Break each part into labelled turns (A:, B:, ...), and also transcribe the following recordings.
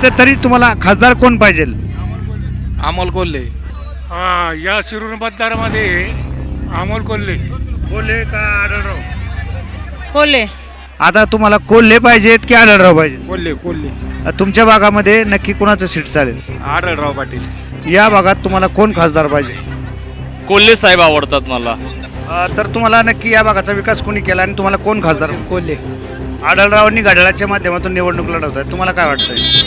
A: इथं तरी तुम्हाला खासदार कोण पाहिजे?
B: अमोल कोल्हे.
C: या शिरूर मतदारामध्ये अमोल कोल्हे.
A: कोल्हे का आढळराव?
D: कोल्हे.
A: आता तुम्हाला कोल्हे पाहिजेत की आढळराव पाहिजे?
B: कोल्हे कोल्हे.
A: तुमच्या भागामध्ये नक्की कोणाचं सीट चालेल?
B: आढळराव पाटील.
A: या भागात तुम्हाला कोण खासदार पाहिजे?
E: कोल्हे साहेब आवडतात मला.
A: तर तुम्हाला नक्की या भागाचा विकास कोणी केला आणि तुम्हाला कोण खासदार?
B: कोल्हे.
A: आढळरावांनी घड्याळाच्या माध्यमातून निवडणूक लढवत आहे, तुम्हाला काय वाटतंय?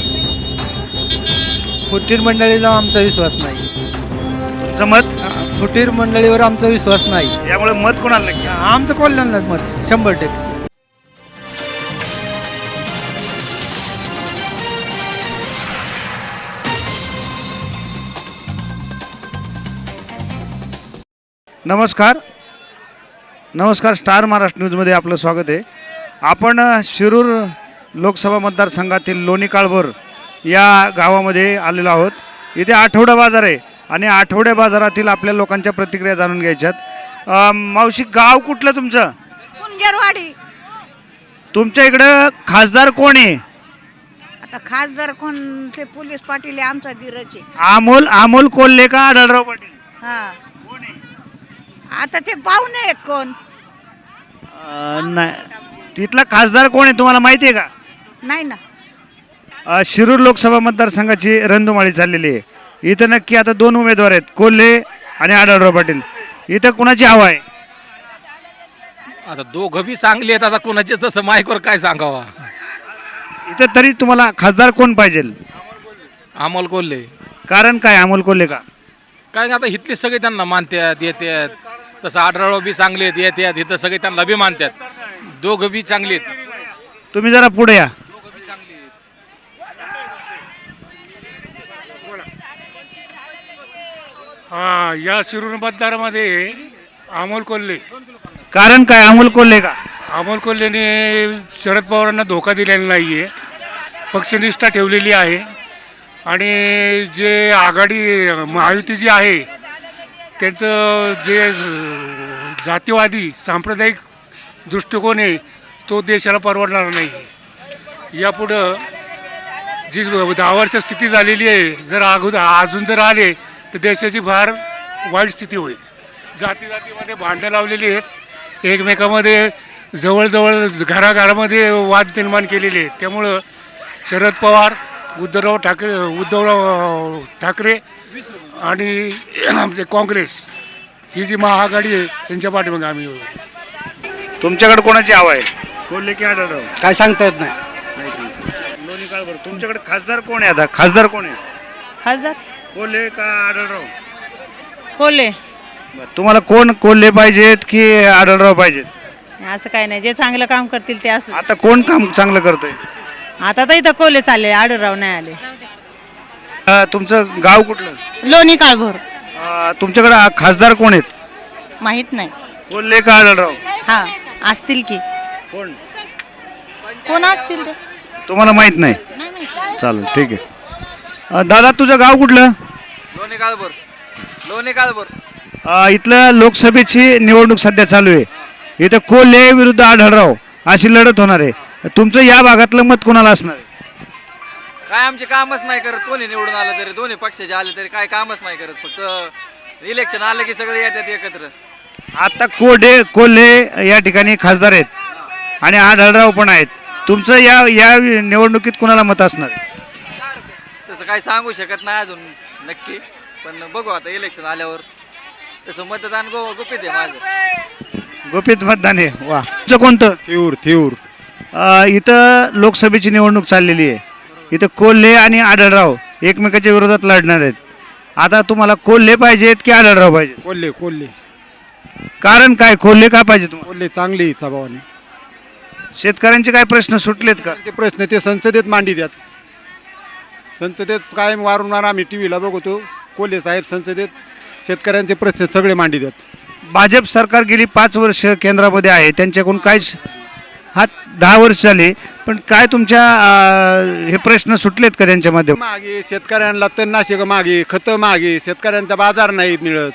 F: फुटीर मंडळीला आमचा विश्वास नाही.
A: तुमचं मत?
F: फुटीर मंडळीवर आमचा विश्वास नाही.
A: यामुळे मत कोणाला नक्की?
F: आमचं कल्याणलाच मत 100%.
A: नमस्कार स्टार महाराष्ट्र न्यूजमध्ये आपलं स्वागत आहे. आपण शिरूर लोकसभा मतदारसंघातील लोणी काळभोर या गावामध्ये आलेलो आहोत. इथे आठवडा बाजार आहे आणि आठवड्या बाजारातील आपल्या लोकांच्या प्रतिक्रिया जाणून घ्यायच्यात. मावशी, गाव कुठलं तुमचं?
D: कुंजरवाडी.
A: तुमच्या इकडं खासदार कोण आहे?
D: आता खासदार कोण? ते पोलीस पाटील आहे, आमचा धीरज आहे.
A: अमोल कोल्हे का आढळराव पाटील?
D: हा, आता ते पाहुणे आहेत कोण?
A: नाही, तिथला खासदार कोण आहे तुम्हाला माहिती आहे का?
D: नाही ना.
A: शिरूर लोकसभा मतदारसंघाची रणधुमाळी चाललेली आहे. इथं नक्की आता दोन उमेदवार आहेत, कोल्हे आणि आढळराव पाटील. इथं कुणाची हवा आहे?
B: आता दोघं बी चांगले आहेत. आता कोणाचे तसं माईकवर काय सांगावा.
A: इथं तरी तुम्हाला खासदार कोण पाहिजे?
B: अमोल कोल्हे.
A: कारण काय अमोल कोल्हे का?
B: काय आता इथले सगळे त्यांना मानतात येतात. तसं आढळराव बी चांगले आहेत येतात. इथं सगळे त्यांना बी मानतात. दोघं बी चांगले आहेत.
A: तुम्ही जरा पुढे या.
C: या शिरूर मतदारामध्ये अमोल कोल्हे.
A: कारण काय अमोल कोल्हे का?
C: अमोल कोल्हेने शरद पवारांना धोका दिलेला नाही आहे, पक्षनिष्ठा ठेवलेली आहे आणि जे आघाडी महायुती जी आहे त्यांचं जे जातीवादी सांप्रदायिक दृष्टिकोन आहे तो देशाला परवडणार नाही. यापुढं जी 10 वर्ष स्थिती झालेली आहे, जर अजून जर आले तर देशाची फार वाईट स्थिती होईल. जातीमध्ये भांडणं लावलेली आहेत, एकमेकामध्ये जवळजवळ घराघरामध्ये वाद निर्माण केलेले आहेत. त्यामुळं शरद पवार, उद्धवराव ठाकरे आणि काँग्रेस ही जी महाआघाडी आहे त्यांच्या पाठीमागे आम्ही.
A: तुमच्याकडे कोणाची हवा आहे, कोल्हे की आढळराव?
F: काय सांगता येत नाही.
A: लोणी काळभोर. तुमच्याकडे खासदार कोण आहे? आता खासदार कोण आहे?
D: खासदार
A: कोल्हे का आढळराव?
D: कोल्हे.
A: तुम्हाला कोण, कोल्हे पाहिजेत की आढळराव पाहिजेत?
D: असं काय नाही, जे चांगलं काम करतील ते असं.
A: आता कोण काम चांगलं करतंय?
D: आता तर इथं कोल्हे चालले, आढळराव नाही आले.
A: तुमचं गाव कुठलं?
D: लोणी काळभोर.
A: तुमच्याकडे खासदार कोण आहेत?
D: माहित नाही.
A: कोल्हे का आढळराव?
D: हा, असतील की.
A: कोण
D: कोण असतील ते
A: तुम्हाला माहित नाही?
D: नाही माहित.
A: चालेल, ठीक आहे. दादा, तुझं गाव कुठलं?
B: लोणी काळभोर. लोणी काळभोर.
A: इथलं लोकसभेची निवडणूक सध्या चालू आहे. इथं कोल्हे विरुद्ध आढळराव अशी लढत होणार आहे. तुमचं या भागातलं मत कोणाला असणार आहे?
G: काय आमचे कामच नाही करत. कोणी निवडून आलं तरी, दोन्ही पक्षाचे आले तरी काय कामच नाही करत. फक्त इलेक्शन आलं की सगळे येतात एकत्र.
A: आता कोल्हे या ठिकाणी खासदार आहेत आणि आढळराव पण आहेत. तुमचं या निवडणुकीत कोणाला मत असणार आहे?
G: तसं काही सांगू शकत नाही अजून नक्की, पण बघू आता इलेक्शन आल्यावर. तसं मतदान गुपित आहे माझं.
A: गोपित मतदान आहे. वा. तुमचं कोणतं?
B: थेऊर.
A: इथं लोकसभेची निवडणूक चाललेली आहे. इथं कोल्हे आणि आढळराव एकमेकाच्या विरोधात लढणार आहेत. आता तुम्हाला कोल्हे पाहिजेत की आढळराव पाहिजे?
F: कोल्हे.
A: कारण काय, कोल्हे का पाहिजे तुम्हाला?
F: कोल्हे चांगली स्वभावाने.
A: शेतकऱ्यांचे काय प्रश्न सुटलेत का?
F: ते प्रश्न ते संसदेत मांडी द्यात. संसदेत कायम वारंवार आम्ही टी व्हीला बघतो, कोल्हे साहेब संसदेत शेतकऱ्यांचे प्रश्न सगळे मांडी द्यात.
A: भाजप सरकार गेली 5 वर्ष केंद्रामध्ये आहे, त्यांच्याकडून काय 10 वर्ष झाले, पण काय तुमच्या हे प्रश्न सुटलेत का त्यांच्या माध्यमातून?
F: मागे शेतकऱ्यांना तणनाशक मागे, खतं मागे, शेतकऱ्यांचा बाजार नाही मिळत.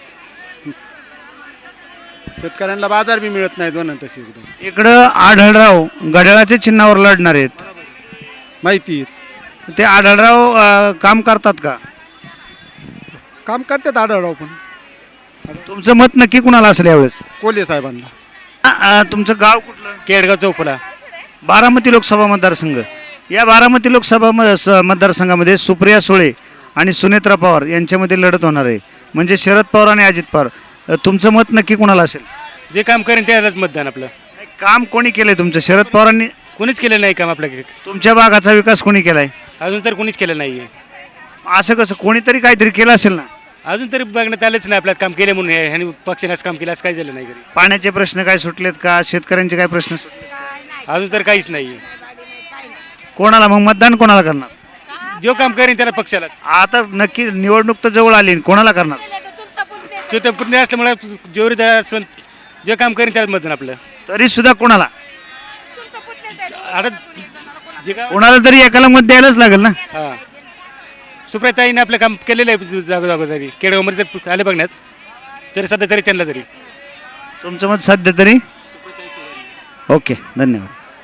F: शेतकऱ्यांना बाजार बी मिळत नाही दोन तशी. एकदम
A: इकडं आढळराव घड्याळाच्या चिन्हावर लढणार आहेत.
F: माहिती.
A: ते आढळराव काम करतात का?
F: काम करतात आढळराव पण
A: तुमचं मत नक्की कुणाला असेल यावेळेस?
F: कोल्हे साहेबांना.
A: तुमचं गाव कुठलं?
C: केडगाव चौफुला.
A: बारामती लोकसभा मतदारसंघ. या बारामती लोकसभा मतदारसंघामध्ये सुप्रिया सुळे आणि सुनेत्रा पवार यांच्यामध्ये लढत होणार आहे. म्हणजे शरद पवार आणि अजित पवार. तुमचं मत नक्की कुणाला असेल?
C: जे काम करेन त्यालाच मतदान आपलं.
A: काम कोणी केलंय तुमचं? शरद पवारांनी.
C: कोणीच केलं नाही काम आपल्या.
A: तुमच्या भागाचा विकास कोणी केलाय?
C: अजून तर कोणीच केलं नाही आहे.
A: असं कसं? कोणीतरी काहीतरी केलं असेल ना.
C: अजून तरी बघण्यात आलंच नाही आपल्यात काम केले म्हणून. ह्याने पक्षानेच काम केलं असं काही झालं नाही घरी.
A: पाण्याचे प्रश्न काय सुटलेत का? शेतकऱ्यांचे काय प्रश्न सुटले?
C: अजून तर काहीच नाही.
A: कोणाला मग मतदान कोणाला करणार?
C: जो काम करेन त्याला पक्षालाच.
A: आता नक्की निवडणूक तर जवळ आली, कोणाला करणार?
C: जो तर पुण्य असल्यामुळे जोरी जे काम करेन त्यालाच मतदान आपलं.
A: तरी सुद्धा कोणाला?
C: आता जे काम
A: कोणाला तरी एकाला मत द्यायलाच लागेल ना.
C: हां सुप्रियाताईने आपलं काम केलेलं आहे जागोजागोजारी. केडगावमध्ये तर आले बघण्यात. तरी सध्या तरी त्यांना तरी.
A: तुमचं मत सध्या तरी? ओके, धन्यवाद.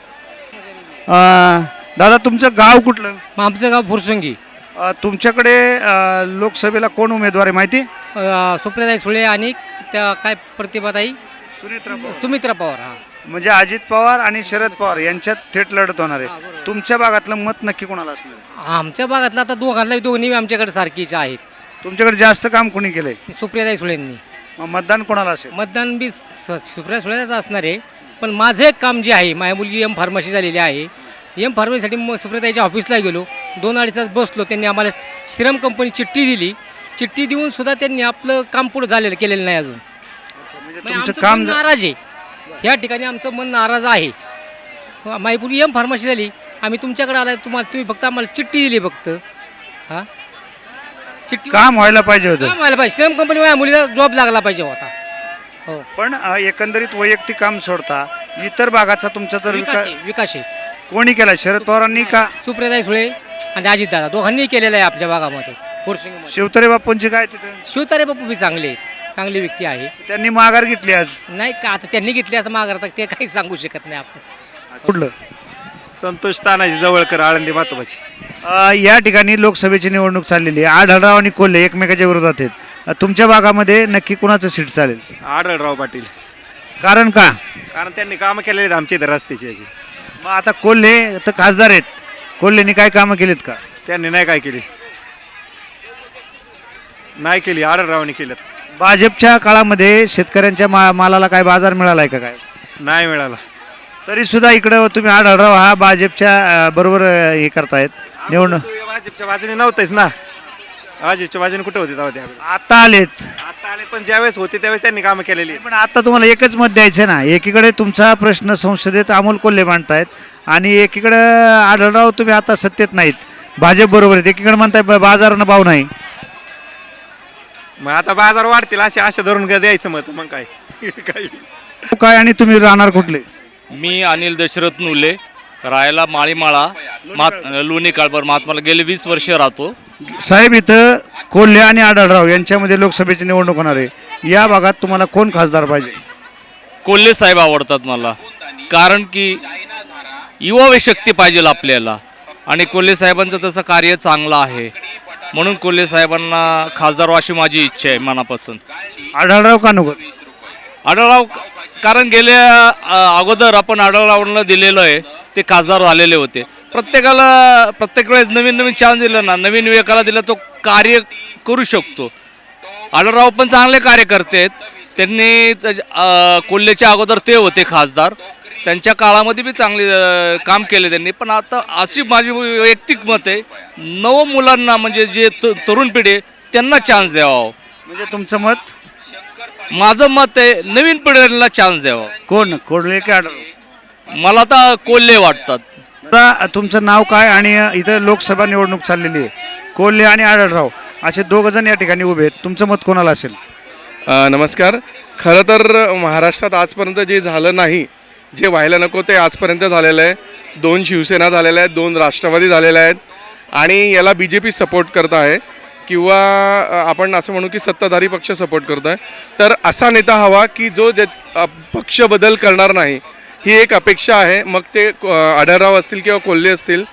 A: दादा तुमचं गाव कुठलं?
H: आमचं गाव फुरसुंगी.
A: तुमच्याकडे लोकसभेला कोण उमेदवार आहे माहिती?
H: सुप्रियाताई सुळे आणि त्या काय प्रतिभाताई
A: सुनेत्रा.
H: सुमित्रा पवार. हा
A: म्हणजे अजित पवार आणि शरद पवार यांच्यात थेट लढत होणार आहे. तुमच्या भागातलं मत नक्की कोणाला असणार?
H: आमच्या भागातला आता दोन्ही आमच्याकडे सारखीच आहेत.
A: तुमच्याकडे जास्त काम कोणी केलंय?
H: सुप्रियाताई सुळेंनी.
A: मग मतदान कोणाला असेल?
H: मतदान बी सुप्रिया सुळेच असणार आहे. पण माझं एक काम जे आहे, माझ्या मुलगी एम फार्मसी झालेली आहे. एम फार्मसीसाठी मग सुप्रियाताईच्या ऑफिसला गेलो. 2-2.5 तास बसलो. त्यांनी आम्हाला श्रीराम कंपनी चिठ्ठी दिली. चिठ्ठी देऊन सुद्धा त्यांनी आपलं काम पुढं केलेलं नाही अजून.
A: तुमचं
H: आमचं
A: काम
H: मन नाराज आहे. ह्या ठिकाणी आमचं मन नाराज आहे. माझी मुलगी एम फार्मसी झाली. आम्ही तुमच्याकडे आलाय. तुम्ही फक्त आम्हाला चिठ्ठी दिली फक्त. हां चिठ्ठी
A: काम व्हायला पाहिजे होतं.
H: काम व्हायला पाहिजे. श्रीराम कंपनी माझ्या मुलीला जॉब लागला पाहिजे होता. हो
A: पण एकंदरीत वैयक्तिक काम सोडता इतर भागाचा तुमचा तर
H: विकास आहे.
A: कोणी केला? शरद पवारांनी का
H: सुप्रियाताई सुळे आणि अजितदादा दोघांनी केलेलं आहे आपल्या भागामध्ये. फुरसुंगीमध्ये
A: शिवतरे बापूंची काय तिथे?
H: शिवतारे बापू बी चांगले आहेत. चांगली व्यक्ती आहे.
A: त्यांनी माघार घेतली आज.
H: नाही का आता त्यांनी घेतली आता माघार ते काही सांगू शकत नाही आपण.
A: कुठलं?
I: संतोष तानाजी जवळकर, आळंदी मातोबाची.
A: या ठिकाणी लोकसभेची निवडणूक चाललेली आहे. आढळराव आणि कोल्हे एकमेकाच्या विरोधात आहेत. तुमच्या भागामध्ये नक्की कुणाचं सीट चालेल?
I: आढळराव पाटील.
A: कारण का?
I: कारण त्यांनी कामं केलेली आहेत आमच्या इथं रस्त्याची याची.
A: मग आता कोल्हे तर खासदार आहेत. कोल्हेनी काय कामं केलीत का?
I: त्यांनी नाही काय केली, नाही केली. आढळरावने केलं.
A: भाजपच्या काळामध्ये शेतकऱ्यांच्या मालाला काय बाजार मिळालाय का? काय
I: नाही मिळाला.
A: तरी सुद्धा इकडं तुम्ही आढळराव हा भाजपच्या बरोबर हे करतायत निवडणूक.
I: भाजपच्या बाजूने नव्हतेच ना. भाजपच्या बाजूने कुठे होते तेव्हा? त्यावेळेस
A: आता आलेत.
I: आता आले, पण ज्यावेळेस होते त्यावेळेस त्यांनी कामं केलेली आहेत.
A: पण आता तुम्हाला एकच मत द्यायचं ना. एकीकडे तुमचा प्रश्न संसदेत अमोल कोल्हे मांडतायत आणि एकीकडे आढळराव तुम्ही आता सत्तेत नाहीत, भाजप बरोबर आहेत. एकीकडे म्हणताय बाजारानं भाव नाही.
I: मग आता बाजार वाढतील असे आशा धरून द्यायचं मत. मग काय काही
A: काय आणि तुम्ही राहणार कुठले?
E: मी अनिल दशरथ नुले, राहायला माळीमाळा, लोणी काळभर. महात्माला गेले 20 वर्ष राहतो.
A: साहेब इथं कोल्हे आणि आढळराव यांच्यामध्ये लोकसभेची निवडणूक होणार आहे. या भागात तुम्हाला कोण खासदार पाहिजे?
E: कोल्हे साहेब आवडतात मला. कारण की युवा शक्ती पाहिजे आपल्याला आणि कोल्हे साहेबांचं तसं कार्य चांगलं आहे. म्हणून कोल्हे साहेबांना खासदार अशी माझी इच्छा आहे मनापासून.
A: आढळराव का नको?
E: आढळराव कारण गेल्या अगोदर आपण आढळरावांना दिलेलं आहे, ते खासदार झालेले होते. प्रत्येक वेळेस नवीन नवीन चान्स दिला ना, नवीन विवेकाला दिला तो कार्य करू शकतो. आढळराव पण चांगले कार्यकर्ते आहेत. त्यांनी कोल्हेच्या अगोदर ते होते खासदार. त्यांच्या काळामध्ये बी चांगले काम केले त्यांनी. पण आता अशी माझी वैयक्तिक मत आहे, नव मुलांना म्हणजे जे तरुण पिढी आहे त्यांना चान्स द्यावा.
A: म्हणजे तुमचं मत?
E: माझं मत आहे नवीन पिढीला चान्स द्यावा.
A: कोण? कोल्हे की आढळराव?
E: मला तर कोल्हे वाटतात.
A: आता तुमचं नाव काय आणि इथं लोकसभा निवडणूक चाललेली आहे. कोल्हे आणि आढळराव असे 2 जण या ठिकाणी उभे आहेत. तुमचं मत कोणाला असेल?
J: नमस्कार. खरं तर महाराष्ट्रात आजपर्यंत जे झालं नाही, जे व्हायला नको ते आजपर्यंत झालेलं आहे. 2 शिवसेना झालेल्या आहेत, 2 राष्ट्रवादी झालेल्या आहेत आणि याला BJP सपोर्ट करत आहे किंवा आपण असं म्हणू की सत्ताधारी पक्ष सपोर्ट करत आहे. तर असा नेता हवा की जो पक्ष बदल करणार नाही, ही एक अपेक्षा आहे. मग ते आढळराव असतील किंवा कोल्हे असतील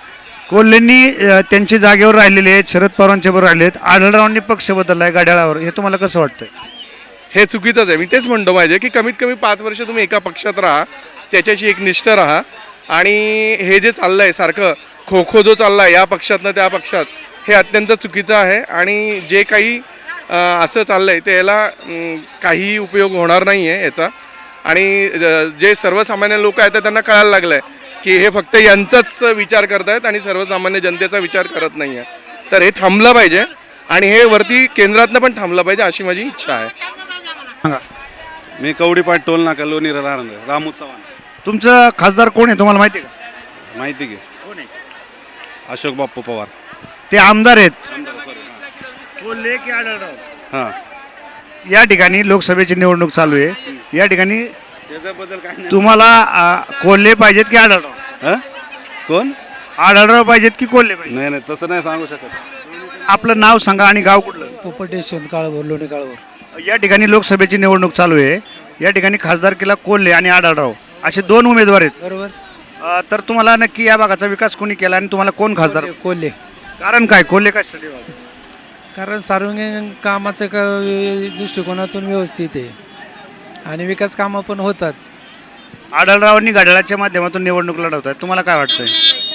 A: कोल्हेंनी त्यांची जागेवर राहिलेले आहेत, शरद पवारांच्या बरोबर राहिले आहेत, आढळरावांनी पक्ष बदलला आहे घड्याळावर, हे तुम्हाला कसं वाटतंय?
J: हे चुकीचंच आहे. मी तेच म्हणतो पाहिजे की कमीत कमी 5 वर्ष तुम्ही एका पक्षात राहा, त्याच्याशी एक निष्ठ राहा. आणि हे जे चाललं आहे सारखं खो खो जो चालला आहे या पक्षातनं त्या पक्षात, हे अत्यंत चुकीचं आहे. आणि जे काही असं चाललं आहे ते याला काहीही उपयोग होणार नाही आहे याचा. आणि जे सर्वसामान्य लोक आहेत त्यांना कळायला लागलं आहे की हे फक्त यांचाच विचार करत आहेत आणि सर्वसामान्य जनतेचा विचार करत नाही आहे. तर हे थांबलं पाहिजे आणि हे वरती केंद्रातनं पण थांबलं पाहिजे अशी माझी इच्छा आहे.
A: सांगा.
I: मी कवडीपाट टोल नाका लोणी रामू चव्हाण.
A: तुमचं खासदार कोण आहे तुम्हाला माहिती आहे का?
I: माहिती घे.
A: कोण आहे?
I: अशोक बाप्पू पवार.
A: ते आमदार आहेत. कोल्हे की आढळराव?
I: हां,
A: या ठिकाणी लोकसभेची निवडणूक चालू आहे. या ठिकाणी
I: त्याच्याबद्दल काय नाही.
A: तुम्हाला कोल्हे पाहिजेत की आढळराव?
I: हां, कोण?
A: आढळराव पाहिजेत की कोल्हे पाहिजे?
I: नाही नाही, तसं नाही सांगू शकत.
A: आपलं नाव सांगा आणि गाव कुठलं?
H: पोपट यशवंत काळभोर, लोणी काळभोर.
A: या ठिकाणी लोकसभेची निवडणूक चालू आहे. या ठिकाणी खासदारकीला कोल्हे आणि आढळराव असे 2 उमेदवार आहेत.
H: बरोबर.
A: तर तुम्हाला नक्की या भागाचा विकास कोणी केला आणि तुम्हाला कोण खासदार?
H: कोल्हे.
A: कारण काय कोल्हे कशासाठी?
H: कारण सार्वजनिक कामाचं दृष्टिकोनातून व्यवस्थित आहे आणि विकास कामं पण होतात.
A: आढळरावांनी घड्याळाच्या माध्यमातून निवडणूक लढवतात, तुम्हाला काय वाटतंय?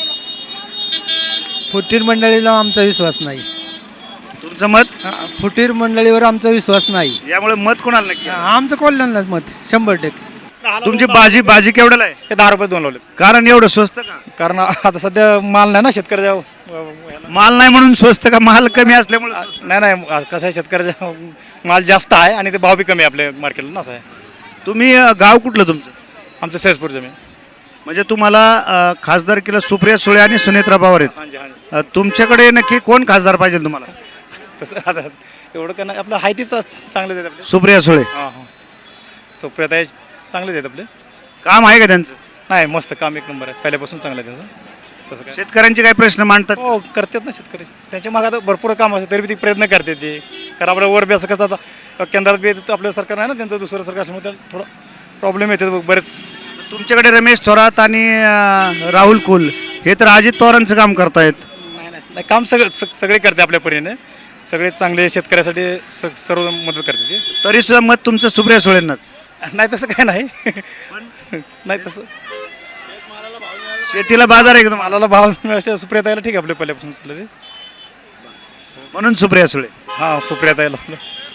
H: फुटीर मंडळीला आमचा विश्वास नाही.
A: तुमचं मत?
H: फुटीर मंडळीवर आमचा विश्वास नाही.
A: यामुळे मत कोणाला नक्की?
H: आमचं कॉलनाच मत 100%.
A: तुमची बाजी केवढ्याला आहे?
E: हे 10 रुपये 2 लावले.
A: कारण एवढं स्वस्त का?
E: कारण आता सध्या माल नाही ना शेतकऱ्याच्या.
A: माल नाही म्हणून स्वस्त का? माल कमी असल्यामुळे स्वस्त?
E: नाही कसं आहे, शेतकऱ्याचा माल जास्त आहे आणि ते भाव बी कमी आहे आपल्या मार्केटला ना, असं आहे.
A: तुम्ही गाव कुठलं तुमचं?
E: आमचं सहजपूर जमीन.
A: म्हणजे तुम्हाला खासदारकीला सुप्रिया सुळे आणि सुनेत्रा पवार आहेत. तुमच्याकडे नक्की कोण खासदार पाहिजे तुम्हाला?
E: तसं आता एवढं का नाही, आपलं आहे तीच चांगलेच आहेत आपले.
A: सुप्रिया सुळे
E: हां हां, सुप्रियात आहे, चांगलेच आहेत आपले.
A: काम आहे का त्यांचं?
E: नाही, मस्त काम, एक नंबर आहे, पहिल्यापासून चांगलं आहे त्यांचं. तसं काय
A: शेतकऱ्यांचे काही प्रश्न मांडतात?
E: हो, करतात ना शेतकरी. त्यांच्या मागे आता भरपूर काम असते तरी बी ते प्रयत्न करते ते. कारण आपल्या वर बी असं कसं आता केंद्रात बी आपलं सरकार नाही ना, त्यांचं दुसरं सरकार असल्यामुळे त्याला थोडं प्रॉब्लेम येते बरेच.
A: तुमच्याकडे रमेश थोरात आणि राहुल कुल हे तर अजित पवारांचं काम करतायत.
E: नाही, काम सगळे करते आपल्या परीने, सगळे चांगले शेतकऱ्यासाठी सर्व मदत करते ते.
A: तरी सुद्धा मत तुमचं सुप्रिया सुळेंनाच?
E: नाही तसं काय नाही. नाही तसं
A: शेतीला बाजार आहे एकदम,
E: मालाला भाव मिळायला सुप्रियाताईला ठीक आहे आपल्या पहिल्यापासून चाललं ते.
A: म्हणून सुप्रिया सुळे.
E: हां, सुप्रियाताईला आपलं